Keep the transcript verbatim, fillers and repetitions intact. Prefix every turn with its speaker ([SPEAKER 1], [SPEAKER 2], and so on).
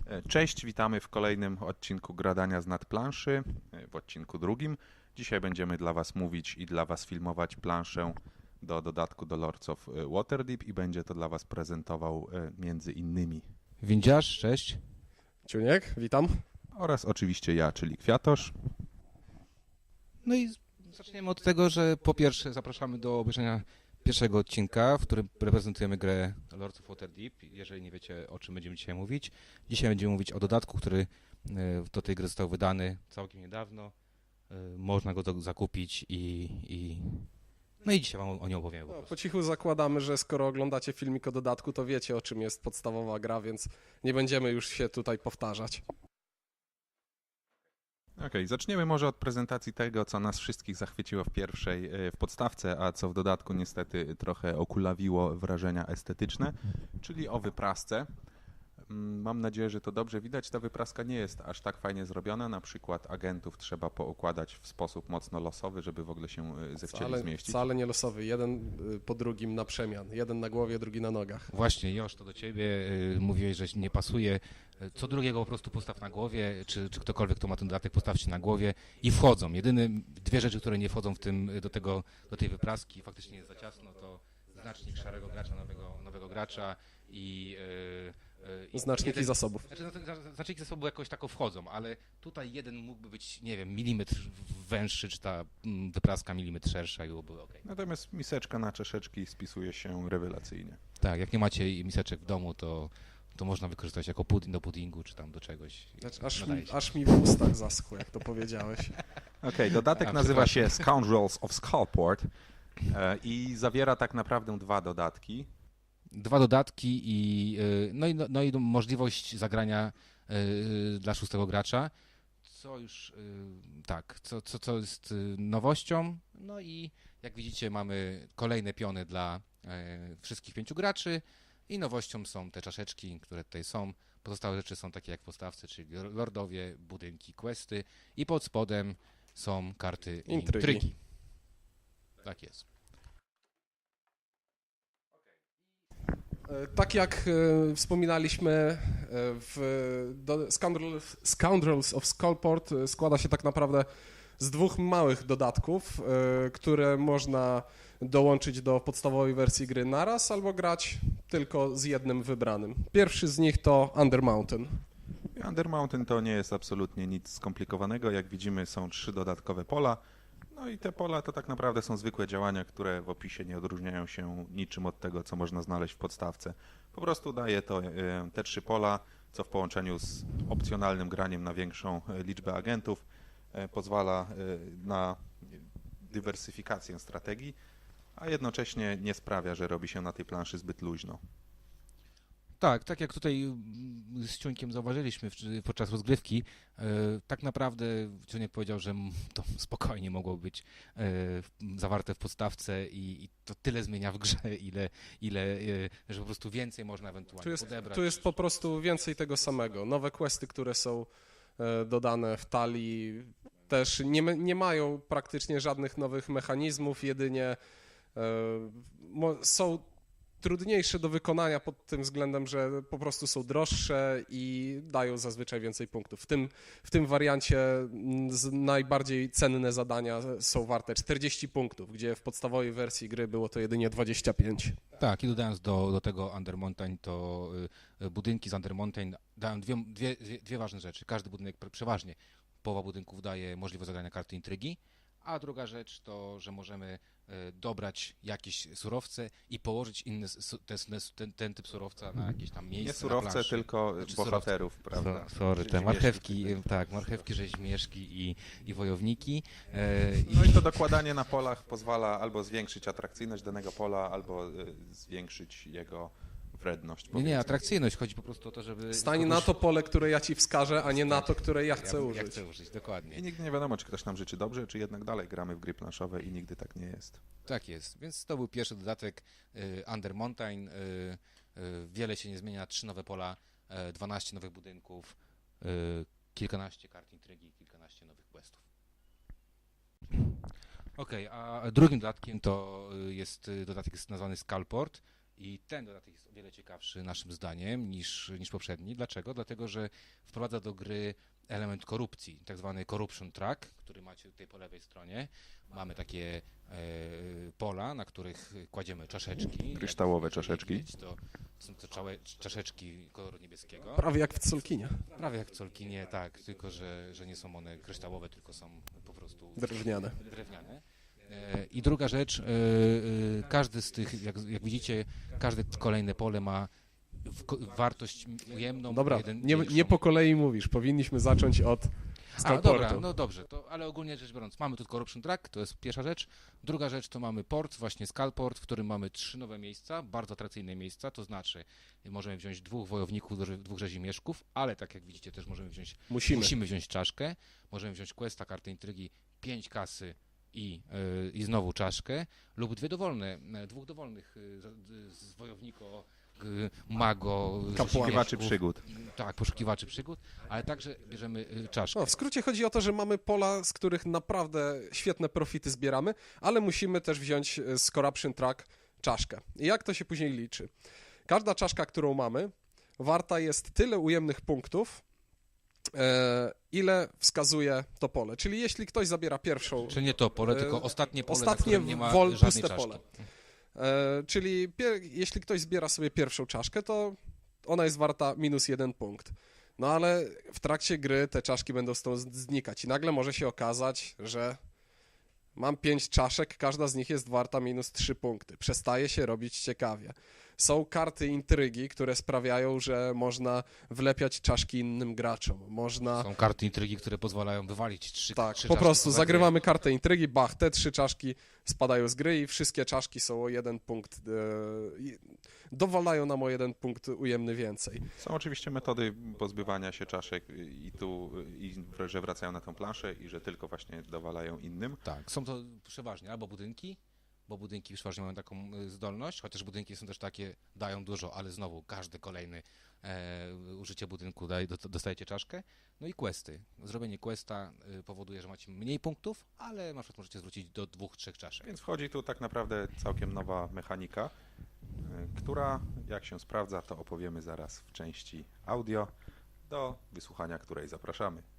[SPEAKER 1] Cześć, witamy w kolejnym odcinku Gradania z nadplanszy, w odcinku drugim. Dzisiaj będziemy dla Was mówić i dla Was filmować planszę do dodatku do Lords of Waterdeep i będzie to dla Was prezentował między innymi
[SPEAKER 2] Windziarz, cześć.
[SPEAKER 3] Ciuniek, witam.
[SPEAKER 1] Oraz oczywiście ja, czyli Kwiatosz.
[SPEAKER 2] No i zaczniemy od tego, że po pierwsze zapraszamy do obejrzenia pierwszego odcinka, w którym reprezentujemy grę Lords of Waterdeep. Jeżeli nie wiecie, o czym będziemy dzisiaj mówić. Dzisiaj będziemy mówić o dodatku, który do tej gry został wydany całkiem niedawno. Można go zakupić i... i... No i dzisiaj wam o nim opowiemy. Po,
[SPEAKER 3] no, po cichu zakładamy, że skoro oglądacie filmik o dodatku, to wiecie, o czym jest podstawowa gra, więc nie będziemy już się tutaj powtarzać.
[SPEAKER 1] Okej, okay, zaczniemy może od prezentacji tego, co nas wszystkich zachwyciło w pierwszej, w podstawce, a co w dodatku niestety trochę okulawiło wrażenia estetyczne, czyli o wyprasce. Mam nadzieję, że to dobrze widać. Ta wypraska nie jest aż tak fajnie zrobiona. Na przykład agentów trzeba poukładać w sposób mocno losowy, żeby w ogóle się zechcieli
[SPEAKER 3] wcale,
[SPEAKER 1] zmieścić.
[SPEAKER 3] Wcale nie losowy. Jeden po drugim na przemian. Jeden na głowie, drugi na nogach.
[SPEAKER 2] Właśnie, Josz, to do ciebie. Yy, mówiłeś, że nie pasuje. Co drugiego po prostu postaw na głowie, czy, czy ktokolwiek, kto ma ten dodatek, postawcie na głowie i wchodzą. Jedyne dwie rzeczy, które nie wchodzą w tym, do, tego, do tej wypraski, faktycznie jest za ciasno, to znacznik szarego gracza, nowego, nowego gracza i... Yy,
[SPEAKER 3] Znaczniki
[SPEAKER 2] jeden,
[SPEAKER 3] zasobów.
[SPEAKER 2] Znaczy, znaczniki zasobów jakoś tak wchodzą, ale tutaj jeden mógłby być, nie wiem, milimetr węższy, czy ta wypraska milimetr szersza i byłoby ok.
[SPEAKER 1] Natomiast miseczka na czaszeczki spisuje się rewelacyjnie.
[SPEAKER 2] Tak, jak nie macie miseczek w domu, to, to można wykorzystać jako pudding do puddingu, czy tam do czegoś.
[SPEAKER 3] Znaczy, aż, mi, aż mi w ustach zaschło, jak to powiedziałeś.
[SPEAKER 1] Okej, okay, dodatek A, nazywa się Scoundrels of Skullport i zawiera tak naprawdę dwa dodatki.
[SPEAKER 2] Dwa dodatki i, no i, no i możliwość zagrania dla szóstego gracza, co już tak, co, co, co jest nowością. No i jak widzicie, mamy kolejne piony dla wszystkich pięciu graczy i nowością są te czaszeczki, które tutaj są. Pozostałe rzeczy są takie jak w podstawce, czyli lordowie, budynki, questy i pod spodem są karty intrygi. intrygi. Tak jest.
[SPEAKER 3] Tak jak e, wspominaliśmy, e, w do, Scoundrels, Scoundrels of Skullport składa się tak naprawdę z dwóch małych dodatków, e, które można dołączyć do podstawowej wersji gry naraz albo grać tylko z jednym wybranym. Pierwszy z nich to Undermountain.
[SPEAKER 1] Undermountain to nie jest absolutnie nic skomplikowanego. Jak widzimy, są trzy dodatkowe pola. No i te pola to tak naprawdę są zwykłe działania, które w opisie nie odróżniają się niczym od tego, co można znaleźć w podstawce. Po prostu daje to te trzy pola, co w połączeniu z opcjonalnym graniem na większą liczbę agentów pozwala na dywersyfikację strategii, a jednocześnie nie sprawia, że robi się na tej planszy zbyt luźno.
[SPEAKER 2] Tak, tak jak tutaj z Ciuńkiem zauważyliśmy podczas rozgrywki, tak naprawdę Ciuńek powiedział, że to spokojnie mogło być zawarte w podstawce i, i to tyle zmienia w grze, ile, ile, że po prostu więcej można ewentualnie
[SPEAKER 3] tu jest,
[SPEAKER 2] podebrać.
[SPEAKER 3] Tu jest po prostu więcej tego samego. Nowe questy, które są dodane w talii, też nie, nie mają praktycznie żadnych nowych mechanizmów, jedynie są trudniejsze do wykonania pod tym względem, że po prostu są droższe i dają zazwyczaj więcej punktów. W tym, w tym wariancie najbardziej cenne zadania są warte czterdzieści punktów, gdzie w podstawowej wersji gry było to jedynie dwadzieścia pięć.
[SPEAKER 2] Tak, i dodając do, do tego Undermountain, to y, budynki z Undermountain dają dwie, dwie, dwie ważne rzeczy. Każdy budynek, przeważnie połowa budynków daje możliwość zagrania karty intrygi, a druga rzecz to, że możemy dobrać jakieś surowce i położyć inny, ten, ten typ surowca na jakieś tam miejsce.
[SPEAKER 1] Nie surowce, tylko znaczy bohaterów, surowce. Prawda?
[SPEAKER 2] So, sorry, te marchewki, tak, marchewki, rzeźmieszki i, i wojowniki.
[SPEAKER 1] No i to dokładanie na polach pozwala albo zwiększyć atrakcyjność danego pola, albo zwiększyć jego wredność.
[SPEAKER 2] Nie, nie, atrakcyjność. Chodzi po prostu o to, żeby...
[SPEAKER 3] Stań na to pole, które ja ci wskażę, a nie na to, które ja chcę
[SPEAKER 2] ja,
[SPEAKER 3] użyć.
[SPEAKER 2] Ja chcę użyć, dokładnie.
[SPEAKER 1] I nigdy nie wiadomo, czy ktoś nam życzy dobrze, czy jednak dalej gramy w gry planszowe i nigdy tak nie jest.
[SPEAKER 2] Tak jest, więc to był pierwszy dodatek y, Undermountain. Y, y, wiele się nie zmienia, trzy nowe pola, y, dwanaście nowych budynków, y, kilkanaście kart intrygi, kilkanaście nowych questów. Okej, okay, a drugim dodatkiem to jest dodatek jest nazwany Skullport. I ten dodatek jest o wiele ciekawszy naszym zdaniem niż, niż poprzedni. Dlaczego? Dlatego, że wprowadza do gry element korupcji, tak zwany corruption track, który macie tutaj po lewej stronie. Mamy takie e, pola, na których kładziemy czaszeczki.
[SPEAKER 1] Kryształowe
[SPEAKER 2] Jak
[SPEAKER 1] czaszeczki.
[SPEAKER 2] Widzieć, to są to czałe, czaszeczki koloru niebieskiego.
[SPEAKER 3] Prawie jak w Solkinie.
[SPEAKER 2] Prawie jak w Solkinie, tak, tylko że, że nie są one kryształowe, tylko są po prostu
[SPEAKER 3] Drewniane.
[SPEAKER 2] drewniane. E, I druga rzecz, e, e, każdy z tych, jak, jak widzicie, każde kolejne pole ma w, ko- wartość ujemną.
[SPEAKER 3] Dobra,
[SPEAKER 2] jeden,
[SPEAKER 3] nie,
[SPEAKER 2] większą.
[SPEAKER 3] nie po kolei mówisz, powinniśmy zacząć od
[SPEAKER 2] A,
[SPEAKER 3] Skullportu.
[SPEAKER 2] dobra, no dobrze, to, ale ogólnie rzecz biorąc, mamy tu Corruption Track, to jest pierwsza rzecz. Druga rzecz to mamy port, właśnie Skullport, w którym mamy trzy nowe miejsca, bardzo atrakcyjne miejsca, to znaczy możemy wziąć dwóch wojowników, dwóch rzezimieszków, ale tak jak widzicie też możemy wziąć,
[SPEAKER 3] Musimy.
[SPEAKER 2] musimy wziąć czaszkę, możemy wziąć questa, kartę intrygi, pięć kasy i, yy, i znowu czaszkę, lub dwie dowolne, e, dwóch dowolnych yy, z, z wojownika, yy, mago,
[SPEAKER 1] Poszukiwaczy
[SPEAKER 2] rzezimieszków.
[SPEAKER 1] przygód.
[SPEAKER 2] Tak, poszukiwaczy przygód, ale także bierzemy y, czaszkę.
[SPEAKER 3] No, w skrócie chodzi o to, że mamy pola, z których naprawdę świetne profity zbieramy, ale musimy też wziąć e, z Corruption Track czaszkę. I jak to się później liczy? Każda czaszka, którą mamy, warta jest tyle ujemnych punktów, e, ile wskazuje to pole. Czyli jeśli ktoś zabiera pierwszą,
[SPEAKER 2] Czy nie to pole,
[SPEAKER 3] E,
[SPEAKER 2] tylko ostatnie pole,
[SPEAKER 3] ostatnie
[SPEAKER 2] na którym nie ma
[SPEAKER 3] wol-
[SPEAKER 2] żadnej
[SPEAKER 3] puste
[SPEAKER 2] czaszki.
[SPEAKER 3] pole. e, czyli pier- jeśli ktoś zbiera sobie pierwszą czaszkę, to ona jest warta minus jeden punkt. No ale w trakcie gry te czaszki będą stąd znikać i nagle może się okazać, że mam pięć czaszek, każda z nich jest warta minus trzy punkty. Przestaje się robić ciekawie. Są karty intrygi, które sprawiają, że można wlepiać czaszki innym graczom. Można...
[SPEAKER 2] Są karty intrygi, które pozwalają wywalić trzy,
[SPEAKER 3] Tak,
[SPEAKER 2] trzy
[SPEAKER 3] po
[SPEAKER 2] czaszki
[SPEAKER 3] prostu
[SPEAKER 2] poza
[SPEAKER 3] zagrywamy kartę intrygi, bach, te trzy czaszki spadają z gry i wszystkie czaszki są o jeden punkt, e, i dowalają nam o jeden punkt ujemny więcej.
[SPEAKER 1] Są oczywiście metody pozbywania się czaszek i tu, i że wracają na tą planszę i że tylko właśnie dowalają innym.
[SPEAKER 2] gry. Tak, są to przeważnie albo budynki, bo budynki przeważnie mają taką y, zdolność, chociaż budynki są też takie, dają dużo, ale znowu każdy kolejny e, użycie budynku daje, do, dostajecie czaszkę. No i questy. Zrobienie questa y, powoduje, że macie mniej punktów, ale na przykład możecie zwrócić do dwóch, trzech czaszek.
[SPEAKER 1] Więc wchodzi tu tak naprawdę całkiem nowa mechanika, y, która jak się sprawdza, to opowiemy zaraz w części audio, do wysłuchania której zapraszamy.